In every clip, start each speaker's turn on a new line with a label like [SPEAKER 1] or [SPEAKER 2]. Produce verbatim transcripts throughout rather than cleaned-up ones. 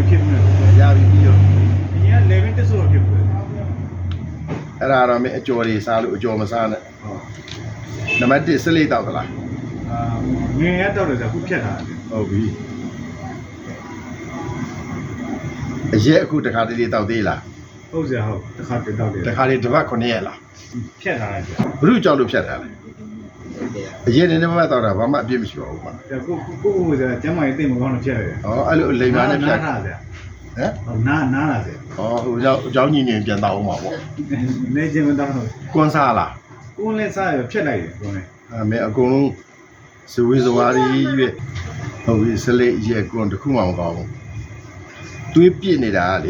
[SPEAKER 1] ဖြစ်နေရပြီပြီးတော့ဒီက level တက်ဆိုတော့ဖြစ်ပြီအဲ့ဒါတော့မင်းအကျော်တွေစားလို့အကျော်မစားနဲ့နံပါတ်တစ်စလိတ်တောက်သလားအာငင်းရတောက်တယ်ဆိုခုဖြတ်ထားတယ်ဟုတ်ပြီအရက်အခုတခါတလေတောက်သေးလားဟုတ်စရာဟုတ်တခါတလေတောက်သေးတယ်တခါလေတစ်ပတ်ခုနှစ်ရက်လားဖြတ်ထားတယ်ဘုရုကြောက်လို့ဖြတ်ထားတယ်အရင်နေနေမှတောက်တာဘာမှအပြစ်မရှိပါဘူးကွာကိုကိုကိုကကျမ်းမာရေးသိမကောင်းလို့ဖြတ်ရတယ်ဩအဲ့လိုလိမ်မာနဲ့ဖြတ်ထားတယ်ဟမ်ဟောနားနားလာတယ်ဩဟိုကြောင့်အเจ้าညီညီပြန်တောက်အောင်ပါပေါ့နေချင်းမတောက်တော့ကွန်းစားလားကွန်းလဲစားရဖြတ်လိုက်တယ်ကွန်းလဲအဲမဲအကုန်လုံးဇဝေဇဝါရီရွေ့ဟုတ်ပြီစလိရဲ့ကွန်းတစ်ခုမှမကောင်းဘူးတွေးပြစ်နေတာလေ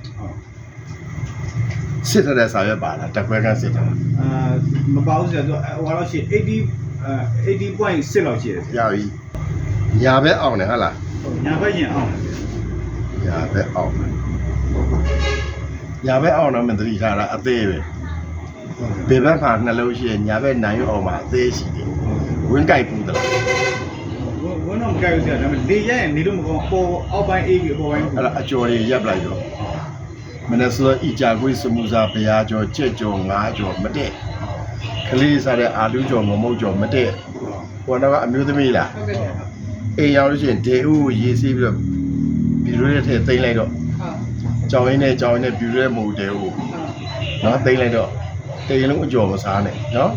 [SPEAKER 1] စစ်ထတဲ့စာရွက်ပါလားတက်ခွဲကစစ်တာအာမပေါ့ဆရာဆိုဟိုလောက်ရှိeighty eighty point six လောက်ရှိတယ်ဆရာကြီးညာဘက်အောင်တယ်ဟုတ်လားညာဘက်ရင်အောင်တယ်ညာဘက်အောင်တယ်ညာဘက်အောင်တော့မသိထားတာအသေးပဲဘယ်ဘက်မှာနှလုံးရှိရင်ညာဘက်နိုင်အောင်မှာအသေးရှိတယ်ဝင်းကြိုက်ပူသလားဝင်းတော့မကြိုက်ဘူးဆရာဒါပေမဲ့လေရက်ရင်နေလို့မကောင်းပေါ်အောက်ပိုင်းအေးပြီးအပေါ်ပိုင်းအဲ့ဒါအကျော်တွေရပ်လိုက်တော့မနေ့ဆိုအီကြကွေးစမှုစာဘရားကျော်ကြက်ကျော်ငါးကျော်မတဲ့ကလေးစားတဲ့အာလူကျော်မမုတ်ကျော်မတဲ့ဟိုတော့ကအမျိုးသမီးလားဟုတ်ကဲ့အိမ်ရောက်လို့ရှိရင်ဒေဦးကိုရေးစီးပြီးတော့ဘီရိုရဲ့ထဲသိမ်းလိုက်တော့ဟုတ်ကြောင်ရင်းနဲ့ကြောင်ရင်းနဲ့ဘီရိုရဲ့မဟုတ်ဒေဦးနော်သိမ်းလိုက်တော့တိမ်လုံးအကျော်မစားနဲ့နော်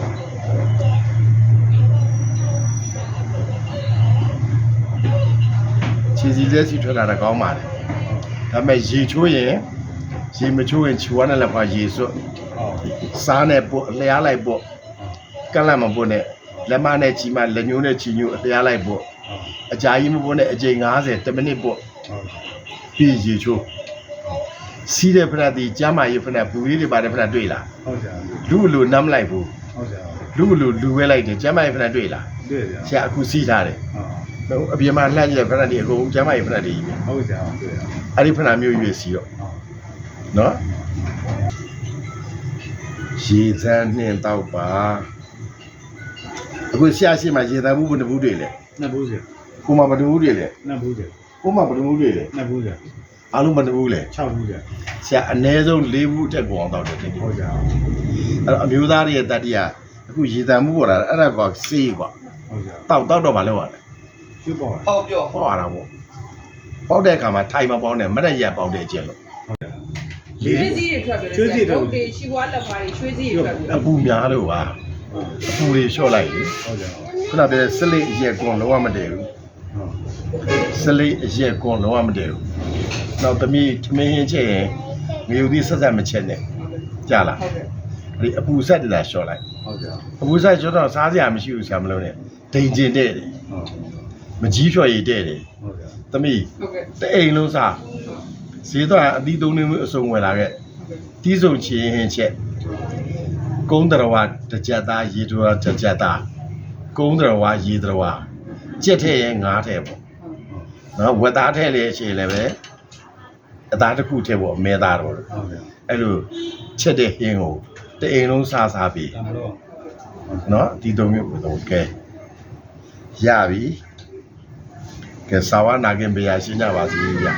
[SPEAKER 1] ခြေစီလက်စီထွက်လာတာကောင်းပါတယ်ဒါပေမဲ့ရေချိုးရင်ရေမချိုးရင်ချွားနဲ့လည်းပါရေစွတ်စားနဲ့ပို့လျားလိုက်ပို့ကန့်လန့်မပို့နဲ့လက်မနဲ့ချီမလက်ညှိုးနဲ့ချီညှိုးလျားလိုက်ပို့အကြာကြီးမပို့နဲ့အချိန်၅၀တမိနစ်ပို့ပြီးရေချိုးစီးတဲ့ဖက်တီကျမ်းမာရေးဖက်ဘူလေးတွေပါတယ်ဖက်တွေ့လားဟုတ်ကြလူလူနမ်းလိုက်ဘူးဟုတ်ကြလူလူလူဝဲလိုက်တယ်ကျမ်းမာရေးဖက်တွေ့လားတွေ့ကြဆရာအခုစီးထားတယ်ဟုတ်အပြင်မှာလှမ်းကြည့်တဲ့ဖက်တီအကုန်ကျမ်းမာရေးဖက်တီဟုတ်ကြတွေ့ရအဲ့ဒီဖက်မျိုးရွေးစီတော့နော်ရေသန်းနှင်းတော့ပါအခုဆရာရှိမှရေသန်းဘူးဘယ်နှဘူးတွေလဲနှစ်ဘူးဆရာကိုမဘယ်နှဘူးတွေလဲနှစ်ဘူးဆရာကိုမဘယ်နှဘူးတွေလဲနှစ်ဘူးဆရာအားလုံးဘယ်နှဘူးလဲ၆ဘူးဆရာဆရာအနည်းဆုံး၄ဘူးအထက်ကိုအောင်တော့တယ်ဟုတ်ကြအဲ့တော့အမျိုးသားတွေရဲ့တတိယအခုရေသန်းမှုပေါ်လာအဲ့ဒါကစေးကွာဟုတ်ကြတောက်တောက်တော့မလုပ်ရလဲကျွတ်ပေါ့ပေါ့ပြောပေါ့ရတာပေါ့ပေါက်တဲ့အခါမှာထိုင်မပေါင်းနဲ့မရက်ရက်ပေါက်တဲ့အကျင့်လို့
[SPEAKER 2] ရွှေစည်းတွေထွက်ပြီလေဟုတ်ကဲ့ရှီဝါလက်ပါတွေရွှေစည်းတွေထွက်ပြီ
[SPEAKER 1] အပူများလို့ပါအပူတွေလျှော့လိုက်လေဟုတ်ကြခုနကပြောစလိတ်အရက်ကွန်လုံးဝမတည်ဘူးစလိတ်အရက်ကွန်လုံးဝမတည်ဘူးနောက်သမီးသမင်းဟင်းချက်ရင်ငရုတ်သီးဆက်ဆက်မချက်နဲ့ကြားလားဟုတ်ကဲ့ဒီအပူဆက်တည်းလျှော့လိုက်ဟုတ်ကြအပူဆက်လျှော့တော့စားစရာမရှိဘူးဆရာမလို့နဲ့ဒိန်ကျင်တဲ့တယ်ဟုတ်မကြီးဖြော်ရည်တဲ့တယ်ဟုတ်ကြသမီးဟုတ်ကဲ့တအိမ်လုံးစားဈေးတော့အသီးသုံးနေမှုအစုံဝင်လာခဲ့တီးစုံချင်းဟင်းချက်ကုန်းတော်ဝါတကြက်သားရေတော်တကြက်သားကုန်းတော်ဝါရေတော်ဝါကြက်ထဲ့ရဲ့ငါးထဲ့ပေါ့နော်ဝက်သားထဲ့လေအချိန်လည်းပဲအသားတစ်ခုထဲ့ပေါ့အမဲသားတော့အဲ့လိုချက်တဲ့ဟင်းကိုတအိမ်လုံးစားစားပြီးနော်ဒီသုံးမျိုးတော့ကဲရပြီကဲစာဝနာခင်ပြရရှင်းကြပါစီဗျာ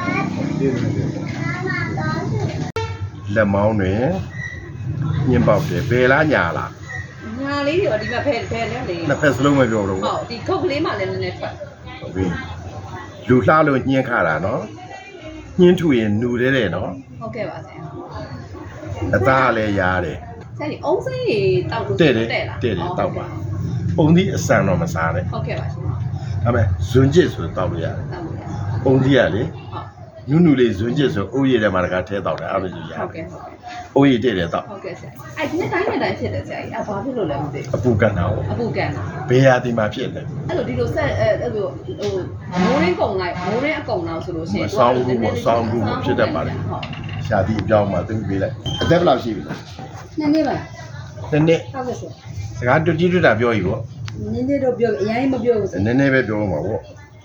[SPEAKER 1] လက်မောင်းတွင်ညင်ပေါက်တယ်ဘယ်လားညာလား
[SPEAKER 2] ညာလေးတွေဒီမှာဖဲဖဲလဲလေ
[SPEAKER 1] နှစ်ဖက်စလုံးမပြောတော့ဘူး
[SPEAKER 2] ဟုတ်ဒီခုတ်ကလေးမှလည်းနည်းနည်းထွက်
[SPEAKER 1] ဟုတ်ပြီလူလှလို့ညှင်းခါတာနော်ညှင်းထူရင်နူတယ်တဲ့နော်
[SPEAKER 2] ဟုတ်ကဲ့ပါဆရာ
[SPEAKER 1] အသားလည်းရားတယ်
[SPEAKER 2] ဆရာဒီအုံးစိမ်းကြီးတောက်လို့
[SPEAKER 1] တဲ့တယ်တဲ့တယ်တောက်ပါပုံသီးအစံတော့မစားနဲ့
[SPEAKER 2] ဟုတ်ကဲ့ပါရှင်
[SPEAKER 1] ဒါပေမဲ့ဇွန်ကျစ်ဆိုတောက်လို့ရတယ်ပုံသီးရလေနူးနူးလေးဇွန်ကျစ်ဆိုအုပ်ရည်ထဲမှာတခါထဲတောက်တယ်အဲ့လိုကြီးရတယ်
[SPEAKER 2] ဟုတ်ကဲ့ဟုတ်ကဲ့
[SPEAKER 1] အုပ်ရည်တဲ့တယ်တောက်
[SPEAKER 2] ဟုတ်ကဲ့ဆရာအဲ့ဒီတိုင်းနဲ့တိုင်းဖြစ်တယ်ဆရာကြီးအဲ့ဘာဖြစ်လို့လဲမသိ
[SPEAKER 1] အပူကန်တာ
[SPEAKER 2] အပူကန်တာ
[SPEAKER 1] ဘေးရာဒီမှာဖြစ်တယ်
[SPEAKER 2] အဲ့လိုဒီလိုဆက်အဲ့လိုဟိုမိုးရင်းကုံလိုက်မိုးရင်းအကုံလောက်ဆိုလို့ရှိရင်
[SPEAKER 1] ဆောင်းဘူးပေါ့ဆောင်းဘူးဖြစ်တတ်ပါတယ်ဟုတ်ရှားဒီအပြောင်းမှာသိပြီးလိုက်အသက်ဘယ်လောက်ရှိပြီလဲ
[SPEAKER 2] နှစ်နှစ်ပါ
[SPEAKER 1] နှစ်နှစ်
[SPEAKER 2] ဟုတ်ကဲ့ဆရာ
[SPEAKER 1] စကားတူတီးတူတာပြောကြီးပေါ့
[SPEAKER 2] နည်းနည်းတော့ပြောအရင်မပြောဘူးဆရာ
[SPEAKER 1] နည်းနည်းပဲပြောမှာပေါ့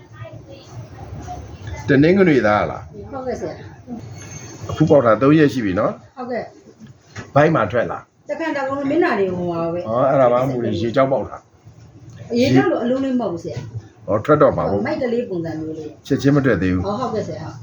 [SPEAKER 1] တနင်္ဂနွေသားလား
[SPEAKER 2] ဟုတ်ကဲ့ဆရာ
[SPEAKER 1] အခုပေါက်တာ၃ရက်ရှိပြီနော်
[SPEAKER 2] ဟုတ်ကဲ့
[SPEAKER 1] ဘိုင်းမှာထွက်လာ
[SPEAKER 2] တခါတော့မင်းနာနေဟိုပါပဲ
[SPEAKER 1] ဟောအဲ့ဒါမှမဟုတ်ရေကြောက်ပေါက်တာ
[SPEAKER 2] ရေကြောက်လို့အလုံးလေးမဟုတ်ဘူးဆရာ
[SPEAKER 1] ဟောထွက်တော့မှာပေါ့
[SPEAKER 2] မိုက်ကလေးပုံစံမျိုးလေး
[SPEAKER 1] ချက်ချင်းမတွေ့သေးဘူး
[SPEAKER 2] ဟောဟုတ်ကဲ့ဆရာ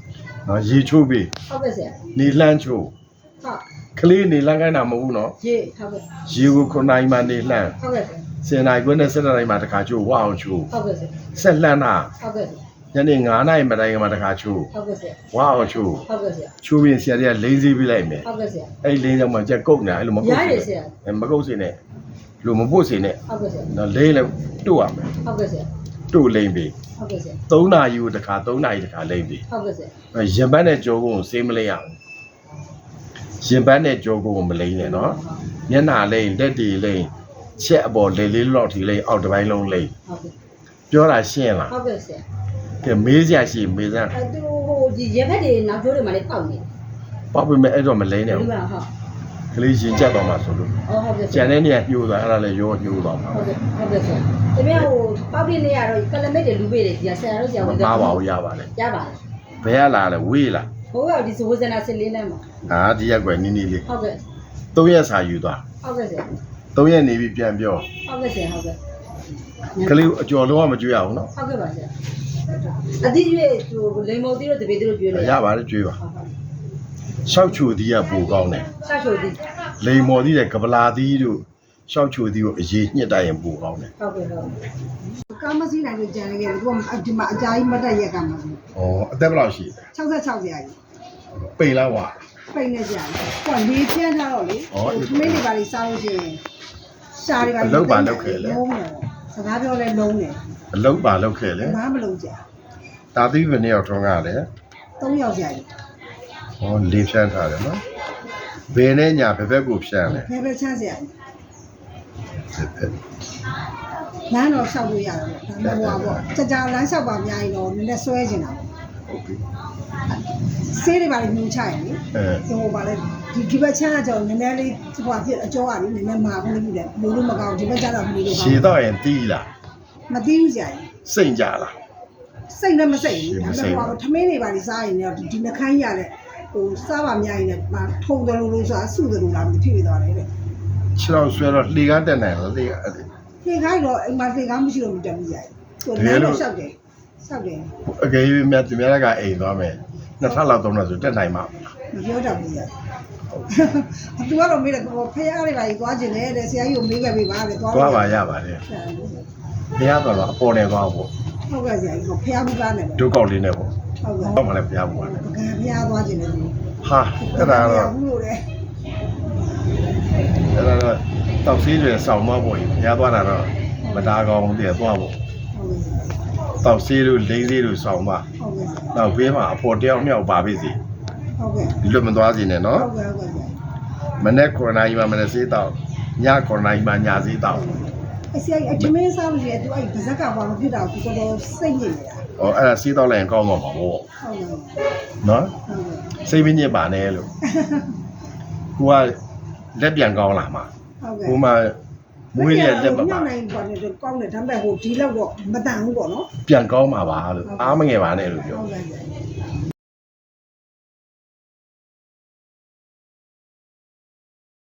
[SPEAKER 1] နော်ရေချိုးပြီး
[SPEAKER 3] ဟုတ်ကဲ့ဆရာ
[SPEAKER 1] နေလှမ်းချိုး
[SPEAKER 3] ဟုတ်
[SPEAKER 1] ကလေးနေလှမ်းခိုင်းတာမဟုတ်ဘူးနော်
[SPEAKER 3] ရေဟုတ်ကဲ့
[SPEAKER 1] ရေကိုခုနိုင်မှနေလှမ်း
[SPEAKER 3] ဟုတ်ကဲ့
[SPEAKER 1] စင်နိုင်ခွင့်နဲ့စက်နိုင်မှတခါချိုးဝအောင်ချိုး
[SPEAKER 3] ဟုတ်ကဲ့ဆရာ
[SPEAKER 1] ဆက်လှမ်းတာ
[SPEAKER 3] ဟုတ်ကဲ့
[SPEAKER 1] ညနေ9နာရီမတိုင်မှတခါချိုး
[SPEAKER 3] ဟုတ်ကဲ့ဆရာ
[SPEAKER 1] ဝအောင်ချိုး
[SPEAKER 3] ဟုတ်ကဲ့ဆရာ
[SPEAKER 1] ချိုးပြီးဆရာတွေကလိမ့်စီးပြီးလိုက်မယ်
[SPEAKER 3] ဟုတ်ကဲ့ဆရာ
[SPEAKER 1] အဲ့လိမ့်ကြောင်မှကြက်ကုတ်နေအဲ့လိုမကုတ်
[SPEAKER 3] ရတယ်ဆရာ
[SPEAKER 1] မကုတ်စေနဲ့လို့မပုတ်စေနဲ့
[SPEAKER 3] ဟုတ်ကဲ့ဆရာ
[SPEAKER 1] နော်လိမ့်လဲတို့ရမယ်
[SPEAKER 3] ဟုတ်ကဲ့ဆရာ
[SPEAKER 1] တို့လိမ့်ပြီး
[SPEAKER 3] ဟုတ်ကဲ့ဆရာ
[SPEAKER 1] 3နာရီကိုတခါ3နာရီတခါလိမ့်ပြီး
[SPEAKER 3] ဟုတ်ကဲ့ဆရာ
[SPEAKER 1] ရင်ပန်းနဲ့ကြောကုန်းကိုစေးမလိမ့်အောင်ရင်ပန်းနဲ့ကြောကုန်းကိုမလိမ့်နဲ့နော်မျက်နှာလိမ့်လက်တီလိမ့်ချက်အပေါ်လေလေးလောက်ထိလိမ့်အောက်တစ်ပိုင်းလုံးလိမ့်
[SPEAKER 3] ဟုတ်ကဲ့
[SPEAKER 1] ပြောတာရှင်းလား
[SPEAKER 3] ဟုတ်ကဲ့ဆရာ
[SPEAKER 1] ကဲမေးစရာရှိမေးစမ်း
[SPEAKER 3] အဲသူဟိုဒီရဲဘက်တွေနောက်ကျိုးတွေမှာလည်းပေါက်နေတယ်
[SPEAKER 1] ပေါက်ပြီမဲ့အဲ့တော့မလိမ့်နဲ့
[SPEAKER 3] ဒီ
[SPEAKER 1] ဘူး
[SPEAKER 3] မှာဟုတ်
[SPEAKER 1] ကလေးရင်ကျက်သွားမှာဆိုလို့
[SPEAKER 3] အော်ဟုတ်ကဲ့ဆ
[SPEAKER 1] ကျ
[SPEAKER 3] ရာ
[SPEAKER 1] န်တဲ့နေရာညှိုးသွားအဲ့ဒါလည်းရောညှိုးသွားမှာ
[SPEAKER 3] ဟုတ်ကဲ့ဟုတ်ကဲ့ဆရာတမန်ဟိုပေါက်ပြနေရတော့ကလမိတ်တွေလူပေးတယ်ဒီကဆရာတို့ဆရာ
[SPEAKER 1] မ
[SPEAKER 3] ဝင်
[SPEAKER 1] မှားပါဘူးရပါတယ်
[SPEAKER 3] ရပါတယ်
[SPEAKER 1] ဘယ်ကလာလဲဝေးလား
[SPEAKER 3] ဟိုကဒီဇဝဇနာစစ်လေးလမ်းမှာ
[SPEAKER 1] ဟာဒီရက်ကွယ်နီးနီးလေး
[SPEAKER 3] ဟုတ်ကဲ့
[SPEAKER 1] သုံးရက်စာယူသွား
[SPEAKER 3] ဟုတ်ကဲ့ဆရာ
[SPEAKER 1] သုံးရက်နေပြီးပြန်ပြော
[SPEAKER 3] ဟုတ်ကဲ့ဆရာဟုတ်ကဲ့
[SPEAKER 1] ကလေးအကျော်လုံးဝမကြွရအောင်နော်
[SPEAKER 3] ဟုတ်ကဲ့ပါဆရာအတိကျွေးဟိုလိမ္မော်တီးတို့တပေတီးတို့ကျွေးလို့
[SPEAKER 1] ရပါတယ်ကြွေးပါ
[SPEAKER 3] ဟုတ်ဟုတ်
[SPEAKER 1] ရှောက်ချူသီးကပိုကောင်းတယ်
[SPEAKER 3] ဆက်ချိုတီး
[SPEAKER 1] လိန်မော်သီးတဲ့ကပလာသီးတို့ရှောက်ချူသီးကိုအရေးညှစ်တိုက်ရင်ပိုကောင်းတယ်
[SPEAKER 3] ဟုတ်ကဲ့ဟုတ်
[SPEAKER 4] ကာမစီနိုင်လို့ကြံနေကြတယ်သူကဒီမှာအကြာကြီးမတက်ရက်ကမှာ
[SPEAKER 1] ဩအသက်ဘယ်လောက်ရှိလဲ
[SPEAKER 4] ၆၆ဆရာကြီး
[SPEAKER 1] ပိန်လားဝါ
[SPEAKER 4] ပိတ်နေကြတယ်ဟိုလေပြန်းထားတော့လေမင်းတွေပါလိစားလို့ရှိရင်ရှားတွေပါလုံးတယ်စကားပြောလဲလုံးတယ်
[SPEAKER 1] အလုံးပါလောက်ခဲ့လေ
[SPEAKER 4] ဘာမလုံးကြ
[SPEAKER 1] တာသီးဘယ်နှစ်ယောက်ထုံးကလဲ
[SPEAKER 4] ၃ယောက်ဆရာကြီး
[SPEAKER 1] ဟောလေးဖြန်းထားတယ်နော်ဘယ်နဲ့ညာဘယ်ဘက်ကိုဖြန်းလဲ
[SPEAKER 4] ဘယ်ပဲချမ်းဆရာကြီး
[SPEAKER 1] ဘယ်ဘက်
[SPEAKER 4] လမ်းတော့လျှောက်လို့ရတယ်ပေါ့ဒါမှမဟုတ်ပေါ့ကြာကြာလမ်းလျှောက်ပါအများကြီးတော့နည်းနည်းဆွဲနေတာပေါ့
[SPEAKER 1] ဟုတ်ပြီ
[SPEAKER 4] ဆေးတွေပါလိမြူချရင်လေ
[SPEAKER 1] အဲ
[SPEAKER 4] ဟိုပါလေဒီဒီဘက်ချမ်းကကြောနည်းနည်းလေးဟိုအဖြစ်အကျော်ကလေနည်းနည်းမာဖို့လို့တယ်ဘလို့မကောင်းဒီဘက်ကျတော့မလို့ကောင်း
[SPEAKER 1] ရှည်တော့ရင်တီးလား
[SPEAKER 4] မသိဘူးဆရာကြီး
[SPEAKER 1] စိတ်ကြလား
[SPEAKER 4] စိတ်နဲ့မစိတ်ဘူးဒါပေမဲ့ဟိုထမင်းတွေပါလိစားရင်တော့ဒီနှခမ်းရတဲ့ဟိုစားပါများရင်လည်းထုံတယ်လို့လို့ဆိုတာစုတယ်လို့လားမဖြစ်ဖြစ်သွားတယ်တဲ့
[SPEAKER 1] ခြေတော့ဆွဲတော့လှေကားတက်နိုင်တော့သိအဲ့ဒီ
[SPEAKER 4] လှေခိုင်းတော့အိမ်မှာလှေကားမရှိလို့မတက်ဘူးကြာဟိုလမ်းတော့လျှောက်တယ်လျှောက်တယ်
[SPEAKER 1] အကယ်၍မြတ်သူများကအိမ်သွားမယ်နှစ်ထပ်လောက်သုံးတော့ဆိုတက်နိုင်မှာ
[SPEAKER 4] မပြောတတ်ဘူးကြာသူကတော့မေးတယ်ဟိုဖះလေးပါကြီးသွားခြင်းနဲ့တဲ့ဆရာကြီးကိုမေးခဲ့ပေးပါတဲ့သွား
[SPEAKER 1] သွားပါရပါတယ်ဘုရားတော်တော့အပေါ်နေသွားဖို့
[SPEAKER 4] ဟုတ်ကဲ့ဆရာကြီးကဖះဘူးကားနဲ့ပဲ
[SPEAKER 1] ဒုက္ကောက်လေးနဲ့ပေါ့
[SPEAKER 4] ဟုတ်ကဲ့
[SPEAKER 1] တော့မှလည်းဘုရားဘုရားနဲ့
[SPEAKER 4] ပကံဖះသွားခြင်းနဲ့
[SPEAKER 1] ဟာအဲ့ဒါတော့
[SPEAKER 4] ဘူးလို့တဲ့
[SPEAKER 1] အဲ့ဒါတော့တောက်ဆေးတွေစောင်းမဖို့ဘုရားသွားတာတော့မတားကောင်းတည်းသွားဖို့
[SPEAKER 4] ဟုတ်ကဲ့
[SPEAKER 1] တောက်ဆေးတို့လိမ့်ဆေးတို့စောင်းမ
[SPEAKER 4] ဟုတ်ကဲ့
[SPEAKER 1] တော့ဘေးမှာအဖို့တယောက်မြောက်ပါပြီစီ
[SPEAKER 4] ဟုတ်ကဲ့
[SPEAKER 1] ဒီလိုမသွားစီနဲ့နော်
[SPEAKER 4] ဟုတ်ကဲ့ဟုတ်ကဲ့
[SPEAKER 1] မနေ့9နာရီမှမနေ့ဆေးတောက်ည9နာရီမှညဆေးတောက်
[SPEAKER 4] အဆရာကြီးအထမင်းစားလို့ရှိရင်သူအဲ့ဗဇက်ကဘာမဖြစ်တာကိုတော်တော်စိတ်ညစ်နေတာ
[SPEAKER 1] ဟောအဲ့ဒါဆေးတောက်လိုက်ရင်ကောင်းမှာပါဗော
[SPEAKER 4] ဟုတ်ကဲ့ဟုတ်
[SPEAKER 1] နော်
[SPEAKER 4] ကဲ့
[SPEAKER 1] စိတ်မညစ်ပါနဲ့လို့ကိုကလက်ပြန်ကောင်းလာမှာ
[SPEAKER 4] ဟုတ်ကဲ့
[SPEAKER 1] ကိုမှမွေးရလက်မပါ
[SPEAKER 4] နိုင်ပါနဲ့တော့ကောင်းတယ်ဒါပေမဲ့ဟိုဒီလောက်တော့မတန်ဘူးပေါ့နော်
[SPEAKER 1] ပြန်ကောင်းမှာပါလို့အားမငယ်ပါနဲ့လို့ပြော
[SPEAKER 4] ဟုတ်ကဲ့